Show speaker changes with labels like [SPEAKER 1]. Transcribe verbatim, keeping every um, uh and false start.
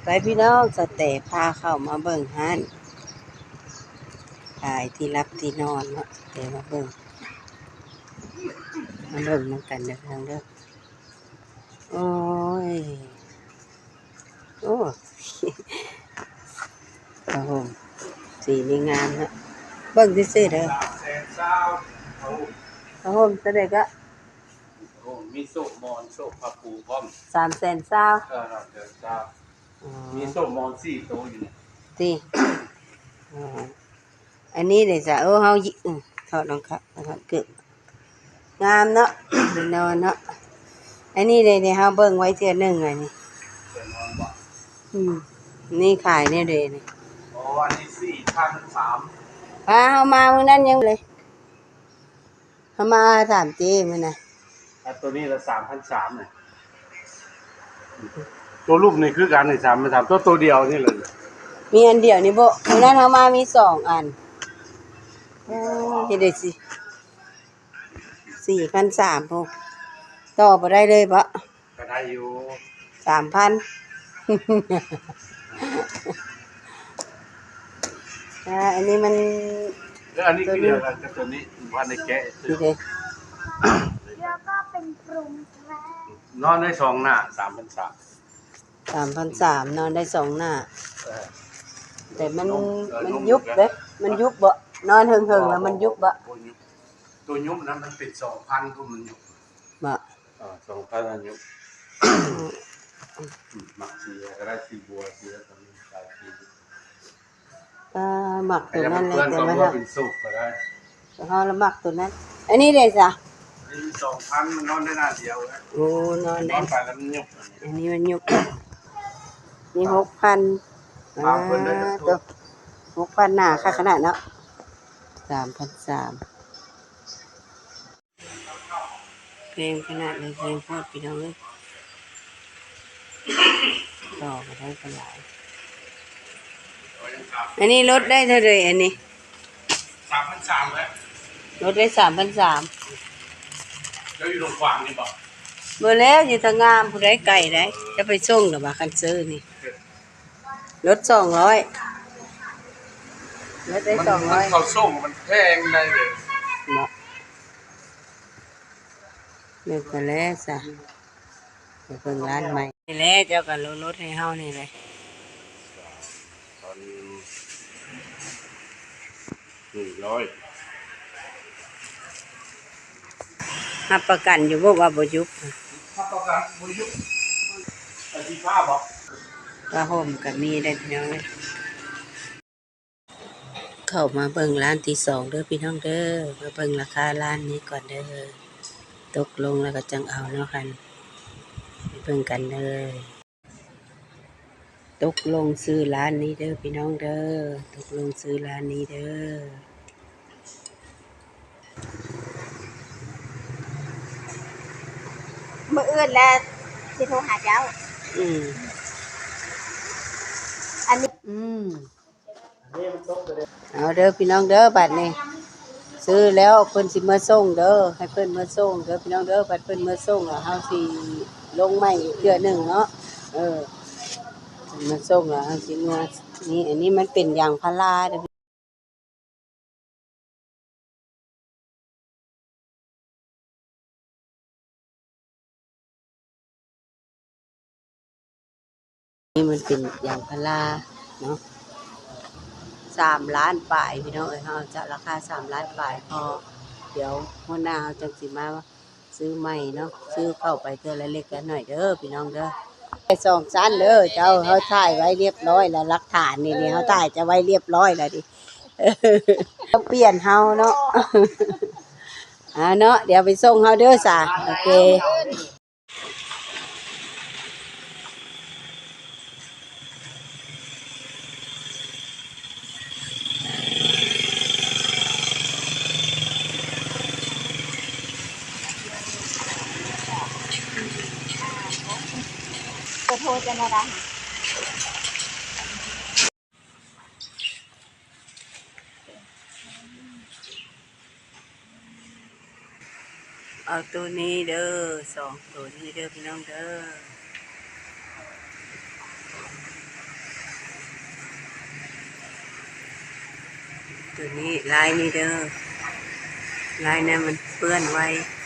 [SPEAKER 1] ไปพี่น้องสเตปพาเข้ามาเบิ่งฮั่นขายที่รับที่นอนเนาะสเตปมาเบิ่งมาเบิ่งน้ำกันเด้อทางเด้อโอ้ยโอ้กระหมสีนี่งามเนาะเบิ่งซื่อๆเด้อกระหมจะได้ก็
[SPEAKER 2] มีโซ่มอนโซ่ผ้าปูพร้อม
[SPEAKER 1] สามแสนเศร้า
[SPEAKER 2] เออเดี๋ยวจะมีโซ่มอนสี่ตัวอยู่เนี่ย
[SPEAKER 1] ตีอันนี้เดี๋ยวจะเออเฮายิถอดรองเท้าถอดเกือบงามเนาะเป็นนอนเนาะอันนี้เดี๋ยวเฮาเบิ่งไว้เทื่อนึงอันนี้อืมนี่ขายเนี่ยเด้นี่
[SPEAKER 2] อ๋ออันนี้สี่พันสาม
[SPEAKER 1] พาเฮามามื้อนั้นยังเลยเฮามาถามเจ้มื้อน่ะ
[SPEAKER 2] ตัวนี้ละสามพันสามเนี่ยตัวรูปนี่คือการในสามพันสามตัวตัวเดียวนี่เลย
[SPEAKER 1] มีอันเดียวนี่บ่มื้อนั้นเฮามามีสองอันโอ้เฮ็ดได้สิสี่พันสามพุ่นต่อบ่ได้เลยบ่
[SPEAKER 2] ก็ได้อยู่
[SPEAKER 1] สามพัน อ่าอันนี้มัน
[SPEAKER 2] แล้วอันนี้คือเดียวกันกับตัวนี้ว่าในแกะ
[SPEAKER 1] นี่เด้
[SPEAKER 3] แล้วก็เป็นปรุงแล้
[SPEAKER 2] นอนได้สองหน้าสามพันสาม
[SPEAKER 1] สามพันสามนอนได้สองหน้าแต่มันมันยุบเด้มันยุบบ่นอนเฮิงๆแล้วมันยุบบ่
[SPEAKER 2] ตัวยุบนั้นมันเป็นสองพันก็มันยุบ
[SPEAKER 1] บ่
[SPEAKER 2] อ่าสองพันอันยุบหมักสีก็ได้สีบัวสีแล้วตอนนี้ใส่สี
[SPEAKER 1] อ่าหมักตัวนั้นเลยแต่
[SPEAKER 2] ว่า
[SPEAKER 1] ว่า
[SPEAKER 2] เป็นสุกก็ได้
[SPEAKER 1] เฮาละหมักตัวนั้นอันนี้เด้จ้ะ
[SPEAKER 2] นี่สองพันมันนอนได้หน้าเดียว
[SPEAKER 1] โอ้นอนได้
[SPEAKER 2] นอนไปแล้วมันยุบ
[SPEAKER 1] อันนี้มันยุบนี่หกพันอ่าตัวหกพันหน้าค่าขนาดเนาะสามพันสามเพลงขนาดเลยเพลงโพดพี่น้องเลยต่อมาได้กันหลายอันนี้ลดได้เท่าไรอันนี้
[SPEAKER 2] สามพันสามแล้ว
[SPEAKER 1] ลดได้สามพันสาม
[SPEAKER 2] แล้วอยู่ตรงขวางนี่บอก
[SPEAKER 1] เมื่อแล้วอยู่ทางงามผู้ใดไก่ได้จะไปส่งหรือว่าคันซื้อนี่ลดสองร้อยลดได้สองร้อย
[SPEAKER 2] เขาส่งมันแพงได้เลย
[SPEAKER 1] เนาะเลิกกันแล้วจ้ะไปเพิ่งร้านใหม่นี่แหละเจ้ากันลดให้เฮานี่เลย
[SPEAKER 2] ตอนหนึ่งร้อย
[SPEAKER 1] รับประกันอยู่บ่ว่าบ่ยุบ
[SPEAKER 2] รับประกันบ่ยุบไอ้ที่ผ้าบอก
[SPEAKER 1] ว่าห่มก็มีได้พี่น้องเลยเข้ามาเบิ่งร้านที่สองเด้อพี่น้องเด้อมาเบิ่งราคาร้านนี้ก่อนเด้อตกลงแล้วก็จังเอาเนาะคันไปเบิ่งกันเลยตกลงซื้อร้านนี้เด้อพี่น้องเด้อตกลงซื้อร้านนี้เด้อ
[SPEAKER 3] มื้ออื่นแล้วสิโทรหาเจ้า
[SPEAKER 1] อืม
[SPEAKER 3] อันนี้
[SPEAKER 1] อืมเอาเด้อพี่น้องเด้อบัดนี้ซื้อแล้วเพิ่นสิมาส่งเด้อให้เพิ่นมาส่งเด้อพี่น้องเด้อบัดเพิ่นมาส่งแล้วเฮาสิลงใหม่อีกเทื่อนึงเนาะเออมาส่งแล้วเฮาสิมานี่อันนี้มันเป็นยางพาราเด้อนี่มันเป็นยางพาราเนาะสามล้านปลายพี่น้องเอ้ยเฮาจะราคาสามล้านปลายพอเดี๋ยวหัวหน้าเฮาจังสิมาซื้อใหม่เนาะซื้อเข้าไปเทื่อละเล็กละน้อยเด้อพี่น้องเด้อไปสองชั้นเด้อเจ้าเฮาถ่ายไว้เรียบร้อยแล้วหลักฐานนี่นี่เฮาถ่ายจะไว้เรียบร้อยแล้วดิต้องเปลี่ยนเฮาเนาะอ่าเนาะเดี๋ยวไปส่งเฮาเด้อจ้ะโอเค
[SPEAKER 3] จะโทรจะมาได้
[SPEAKER 1] เอาตัวนี้เด้อสองตัวนี้เด้อพี่น้องเด้อตัวนี้ลายนี่เด้อลายนั้นมันเปื้อนไว้